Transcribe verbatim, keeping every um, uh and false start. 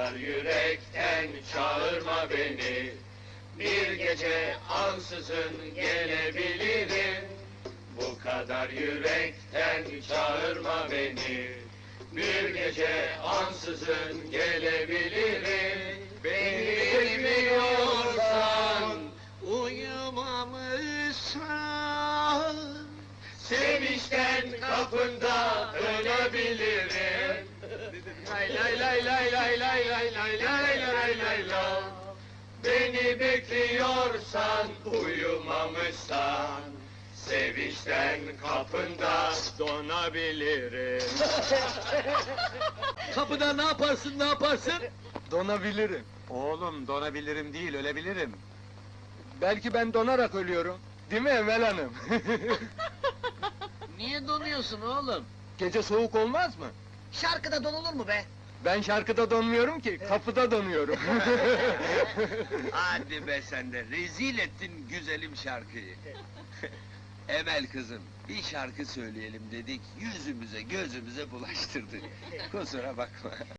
kadar yürekten çağırma beni. Bir gece ansızın gelebilirim. Bu kadar yürekten çağırma beni. Bir gece ansızın gelebilirim. Beni bilmiyorsan, Uyumamışsan sevinçten kapında ölebilirim. Lay lay lay lay lay lay lay lay lay lay lay lay. Beni bekliyorsan, uyumamışsan, sevinçten kapında donabilirim. kapıda ne yaparsın ne yaparsın? Donabilirim. Oğlum donabilirim değil, ölebilirim. Belki ben donarak ölüyorum. Değil mi Emel Hanım? Niye donuyorsun oğlum? Gece soğuk olmaz mı? Şarkıda donulur mu be? Ben şarkıda donmuyorum ki, kapıda donuyorum. Hadi be sen de, rezil ettin güzelim şarkıyı. Emel kızım, bir şarkı söyleyelim dedik, yüzümüze gözümüze bulaştırdık. Kusura bakma.